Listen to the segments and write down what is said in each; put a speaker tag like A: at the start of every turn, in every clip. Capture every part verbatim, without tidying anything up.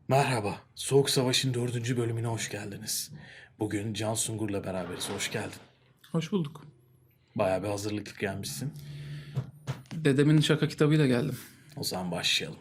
A: Merhaba, Soğuk Savaş'ın dördüncü bölümüne hoş geldiniz. Bugün Can Sungur'la beraberiz, hoş geldin.
B: Hoş bulduk.
A: Bayağı bir hazırlıklı gelmişsin.
B: Dedemin şaka kitabıyla geldim.
A: O zaman başlayalım.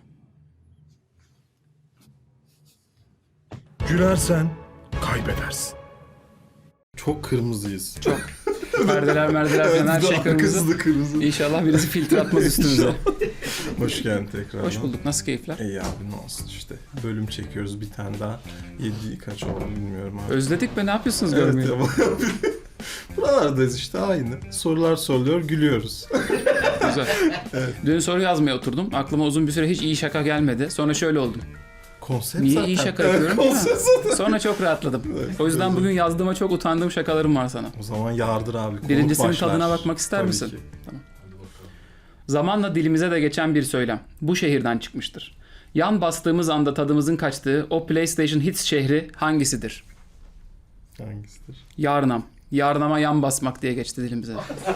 C: Gülersen kaybedersin. Çok kırmızıyız. Çok.
B: Merdeler merdeler falan her şey kırmızı.
C: Kızdı kırmızı.
B: İnşallah birisi filtre atmaz üstümüze.
C: Hoş geldin tekrar.
B: Hoş bulduk. Nasıl keyifler?
C: İyi abi ne olsun işte. Bölüm çekiyoruz bir tane daha. Yedi kaç oldu bilmiyorum abi.
B: Özledik be, ne yapıyorsunuz
C: Evet
B: görmeyi?
C: ya. Buralardayız işte aynı. Sorular soruluyor gülüyoruz.
B: Güzel. Dün soru yazmaya oturdum. Aklıma uzun bir süre hiç iyi şaka gelmedi. Sonra şöyle oldum.
C: Konsept
B: Niye
C: zaten.
B: iyi şaka
C: Evet,
B: yapıyorum?
C: konsept zaten.
B: Sonra çok rahatladım. O yüzden bugün yazdığıma çok utandığım şakalarım var sana.
C: O zaman yardır abi. konuk
B: Birincisinin
C: başlar.
B: tadına bakmak ister
C: Tabii
B: misin?
C: ki.
B: Zamanla dilimize de geçen bir söylem. Bu şehirden çıkmıştır. Yan bastığımız anda tadımızın kaçtığı o PlayStation Hits şehri hangisidir?
C: Hangisidir?
B: Yarnam. Yarnama yan basmak diye geçti dilimize.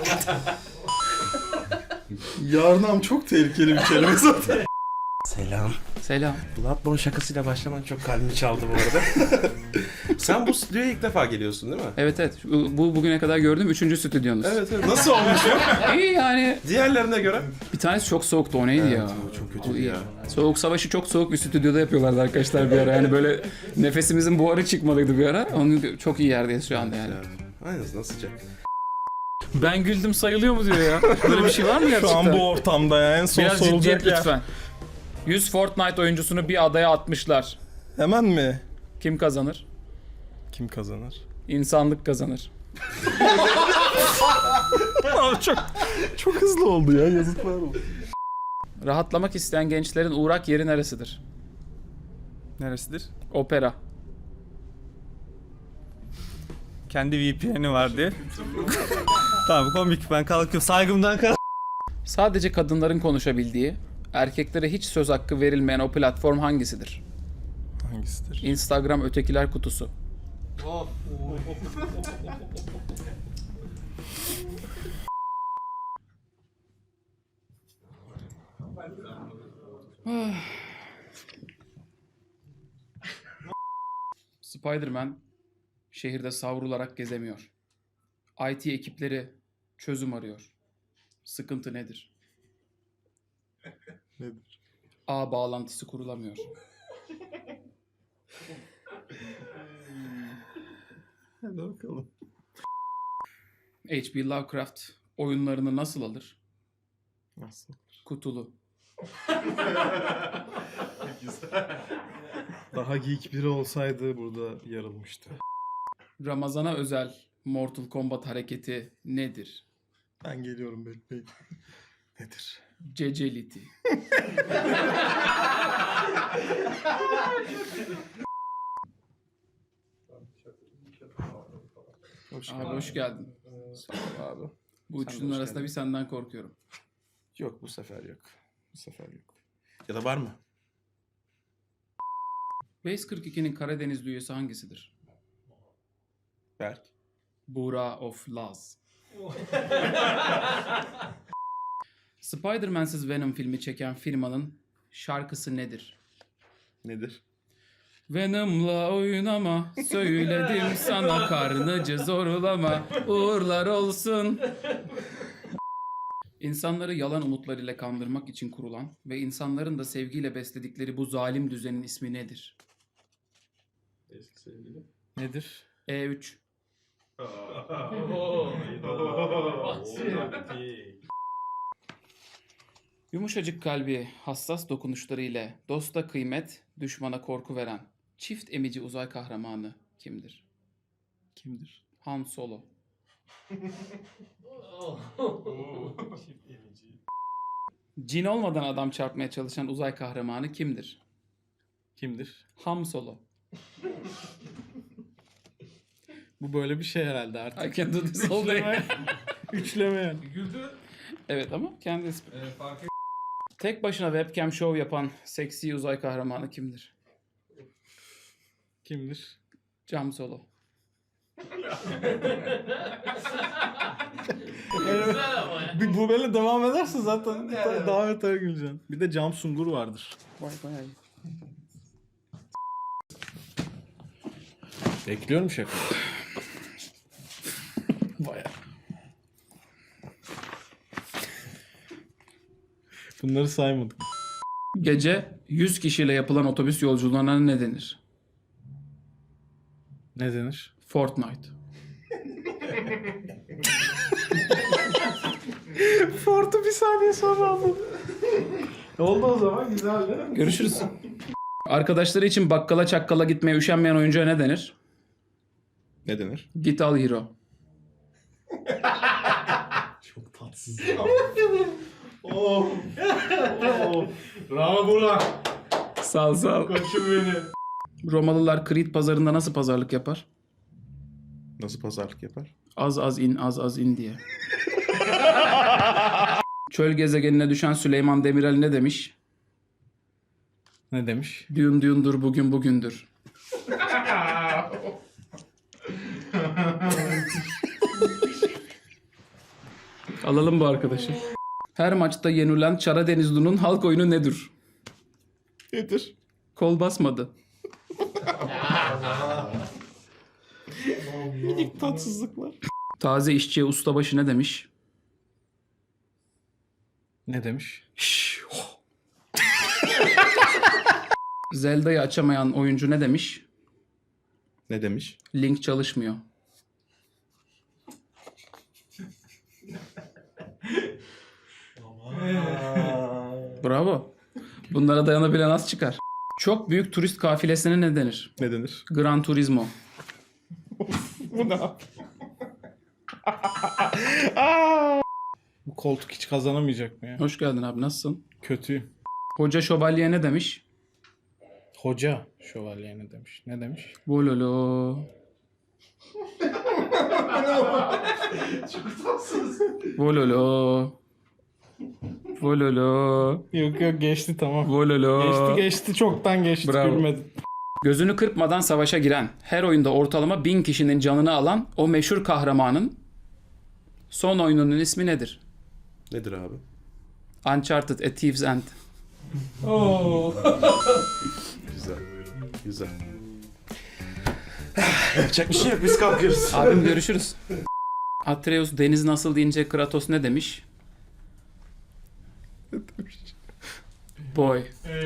C: Yarnam çok tehlikeli bir kelime zaten.
D: Selam.
B: Selam.
D: Bloodborne şakasıyla başlaman çok kalbimi çaldı bu arada. Sen bu stüdyoya ilk defa geliyorsun değil mi?
B: Evet evet. Bu bu bugüne kadar gördüğüm üçüncü stüdyonuz.
D: Evet evet. Nasıl olmuş ya?
B: İyi yani.
D: Diğerlerine göre?
B: Bir tanesi çok soğuktu, o neydi ya?
D: o çok
B: Bu
D: kötü
B: iyi.
D: ya.
B: Soğuk Savaşı çok soğuk bir stüdyoda yapıyorlardı arkadaşlar bir ara. Yani böyle nefesimizin buharı çıkmalıydı bir ara. Onun çok iyi yerdeyiz şu anda yani.
D: Aynen nasıl sıcak.
B: Ben güldüm sayılıyor mu diyor ya. Böyle bir şey var mı gerçekten?
C: Şu an bu ortamda ya en son
B: Biraz
C: sorulacak
B: ciddiyet
C: yer.
B: lütfen. yüz Fortnite oyuncusunu bir adaya atmışlar.
C: Hemen mi?
B: Kim kazanır?
C: Kim kazanır?
B: İnsanlık kazanır.
C: Abi çok çok hızlı oldu ya, yazıklar olsun.
B: Rahatlamak isteyen gençlerin uğrak yeri neresidir?
E: Neresidir?
B: Opera.
E: Kendi V P N'i var diye. Tamam komik, ben kalkıyorum saygımdan kalk.
B: Sadece kadınların konuşabildiği, erkeklere hiç söz hakkı verilmeyen o platform hangisidir?
C: Hangisidir?
B: Instagram ötekiler kutusu. Spider-Man şehirde savrularak gezemiyor. I T ekipleri çözüm arıyor. Sıkıntı nedir?
C: Nedir?
B: Ağ bağlantısı kurulamıyor.
C: Hadi bakalım.
B: H P Lovecraft oyunlarını nasıl alır?
C: Nasıl?
B: Kutulu.
C: Daha geek biri olsaydı burada yarılmıştı.
B: Ramazana özel Mortal Kombat hareketi nedir?
C: Ben geliyorum, bekleyin. Nedir?
B: Ceceliti.
C: Hoş
B: Abi hoş geldin.
C: abi.
B: Bu
D: Sen de
B: üçünün
D: hoş
B: arasında
D: geldin.
B: bir senden korkuyorum.
D: Yok bu sefer yok. Bu sefer yok. Ya da var mı?
B: Base kırk ikinin Karadeniz üyesi hangisidir?
D: Berk.
B: Buğra of Laz. Spider-Man'siz Venom filmi çeken firmanın şarkısı nedir?
D: Nedir?
B: Venom'la oynama, söyledim sana, karnıcı zorlama, uğurlar olsun. İnsanları yalan umutlarıyla kandırmak için kurulan ve insanların da sevgiyle besledikleri bu zalim düzenin ismi nedir?
C: Nedir?
B: E üç. Yumuşacık kalbi, hassas dokunuşları ile dosta kıymet, düşmana korku veren çift emici uzay kahramanı kimdir?
C: Kimdir?
B: Han Solo. Cin olmadan adam çarpmaya çalışan uzay kahramanı kimdir?
C: Kimdir?
B: Ham Solo.
C: Bu böyle bir şey herhalde artık.
B: I can do this all day.
C: Üçleme yani.
B: Evet ama kendi ismi. Tek başına webcam show yapan seksi uzay kahramanı kimdir?
C: Kimdir?
B: Cam Solo.
C: Bir bu böyle devam ederse zaten daha beter güleceksin. Bir de Cam Sungur vardır.
B: Vay bayağı iyi.
A: Bekliyorum şaka. Baya. Bunları saymadık.
B: Gece yüz kişiyle yapılan otobüs yolculuğuna ne denir?
A: Ne denir?
B: Fortnite.
A: Fort'u bir saniye sonra aldım. Oldu o zaman, güzel değil mi?
B: Görüşürüz. Arkadaşları için bakkala çakkala gitmeye üşenmeyen oyuncuya ne denir?
D: Ne denir?
B: Git al hero.
A: Çok tatsız. Oh. Oh. Bravo Burak.
B: Sağ ol, sağ ol.
A: Koçum benim.
B: Romalılar Krit pazarında nasıl pazarlık yapar?
D: Nasıl pazarlık yapar?
B: Az az in, az az in diye. Çöl gezegenine düşen Süleyman Demirel ne demiş?
A: Ne demiş?
B: Düğün düğündür, bugün bugündür. Alalım bu arkadaşı. Her maçta yenilen Çara Denizlu'nun halk oyunu nedir?
D: Nedir?
B: Kol basmadı.
D: İlk tatsızlıklar.
B: Taze işçiye ustabaşı ne demiş?
A: Ne demiş?
B: Şşş, oh. Zelda'yı açamayan oyuncu ne demiş?
D: Ne demiş?
B: Link çalışmıyor. Bravo. Bunlara dayanabilen az çıkar. Çok büyük turist kafilesine ne denir?
D: Ne denir?
B: Gran Turismo.
D: Bu ne?
A: Bu koltuk hiç kazanamayacak mı ya?
B: Hoş geldin abi, nasılsın?
A: Kötüyüm.
B: Hoca şövalye ne demiş?
A: Hoca şövalye ne demiş? Ne demiş?
B: Vololo. Vololo. Vololo.
A: Yok yok, geçti tamam.
B: Vololo.
A: Geçti geçti, çoktan geçti.
B: Bravo.
A: Gülmedim.
B: Gözünü kırpmadan savaşa giren, her oyunda ortalama bin kişinin canını alan o meşhur kahramanın son oyununun ismi nedir?
D: Nedir abi?
B: Uncharted: A Thief's End.
D: Güzel. Güzel. Yapacak bir şey yok. Biz kalkıyoruz.
B: Abim görüşürüz. Atreus deniz nasıl deyince Kratos ne demiş? Boy.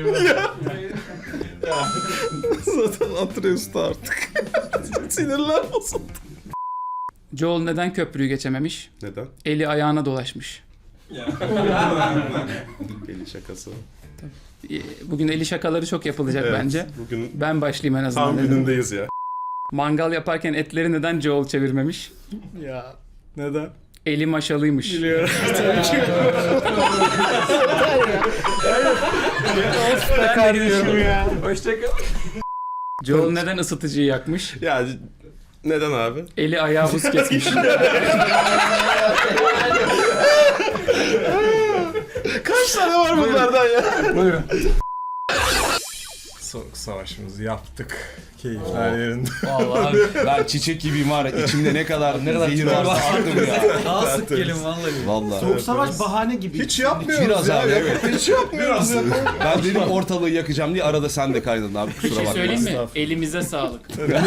D: Zaten Atreus'ta artık. Sinirler bozuldu.
B: Joel neden köprüyü geçememiş?
D: Neden?
B: Eli ayağına dolaşmış.
D: Deli şakası.
B: Ee, Bugün eli şakaları çok yapılacak
D: Evet,
B: bence.
D: Bugün
B: Ben başlayayım en azından.
D: tam
B: dedim.
D: günündeyiz ya.
B: Mangal yaparken etleri neden Joel çevirmemiş?
A: Ya neden?
B: Eli maşalıymış.
A: Biliyorum. Kardeşim ya.
B: Hoşçakal. Joel neden ısıtıcıyı yakmış?
D: Ya neden abi?
B: Eli ayağı buz kesmiş.
D: Kaç tane var bunlardan ya?
B: Buyurun.
C: Soğuk savaşımızı yaptık. Keyifler yerinde.
F: Vallahi ben çiçek gibiyim var ya, içimde ne kadar ne kadar zehir varsa attım ya.
E: Daha sık gelin vallahi.
F: Vallahi.
G: Soğuk savaş bahane gibi.
C: Hiç yapmıyoruz
F: Biraz
C: ya.
F: abi, evet.
C: Hiç yapmıyoruz ya.
F: Ben dedim ortalığı yakacağım diye arada sen de kaydın abi,
B: Bir
F: kusura
B: şey
F: bakma.
B: söyleyeyim mi? Elimize sağlık.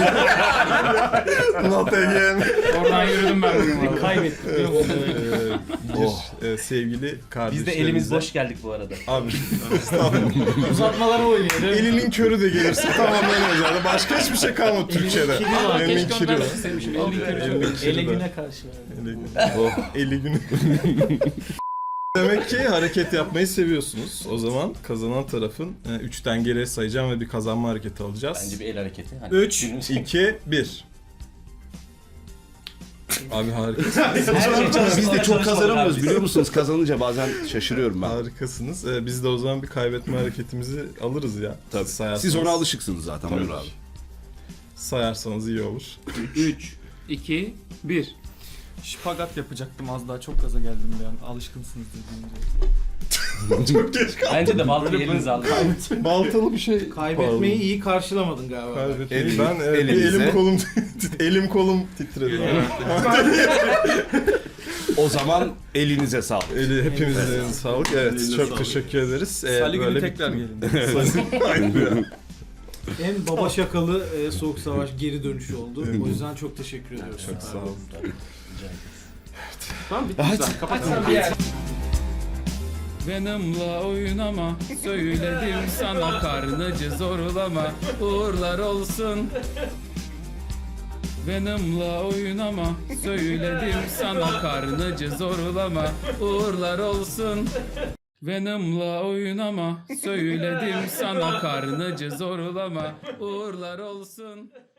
C: Not again.
B: Oradan yürüdüm ben bugün valla.
G: Kaybettik.
C: Bir e, sevgili kardeşlerimize.
G: Biz de elimiz boş geldik bu arada.
C: Abi
G: Uzatmalara oynuyor.
C: elinin körü de gelirse tamamlanıyor zaten. Başka hiçbir şey kalmadı Türkçe'de. Elinin
B: Keşke
C: kiri
B: ondan
C: var.
B: istemişim. Elini kırıyor.
C: Elinin kiri
G: Ele
C: de.
G: güne karşı.
C: Eli, oh, eli günü. Demek ki hareket yapmayı seviyorsunuz. O zaman kazanan tarafın e, üçten geriye sayacağım ve bir kazanma hareketi alacağız.
G: Bence bir el hareketi. Hani
C: üç, iki, bir. Abi harikasınız.
F: Biz de çok kazanamıyoruz biliyor musunuz? Kazanınca bazen şaşırıyorum ben.
C: Harikasınız. Ee, biz de o zaman bir kaybetme hareketimizi alırız ya.
F: Tabii.
C: Sayarsanız,
F: Siz ona alışıksınız zaten.
C: Tabii.
F: Buyur abi.
C: Sayarsanız iyi olur.
B: üç, iki, bir.
E: Şipagat yapacaktım az daha, çok gaza geldim bir an. Alışkınsınızdır deyince.
C: Çok geç kaldım.
G: Bence de baltayı elinize alın.
C: Baltalı bir şey.
G: Kaybetmeyi iyi karşılamadın galiba.
C: Kaybetmeyi.
F: Elin-
C: Ben e, bir
F: elinize.
C: elim kolum elim kolum titredi.
F: O zaman elinize sağlık.
C: Eli hepimizin eline sağlık. Evet, çok teşekkür ederiz. Ee,
E: Salı günü
C: böyle
E: tekrar
C: bir-
E: gelin.
C: Aynen.
G: En baba şakalı e, Soğuk Savaş geri dönüşü oldu. O yüzden çok teşekkür ediyoruz.
C: Çok sağ olun.
D: Tamam bitti güzel. Kapat.
B: Venom'la oynama, söyledim sana karnıcı zorlama, uğurlar olsun. Venom'la oynama, söyledim sana karnıcı zorlama, uğurlar olsun. Venom'la oynama, söyledim sana karnıcı zorlama, uğurlar olsun.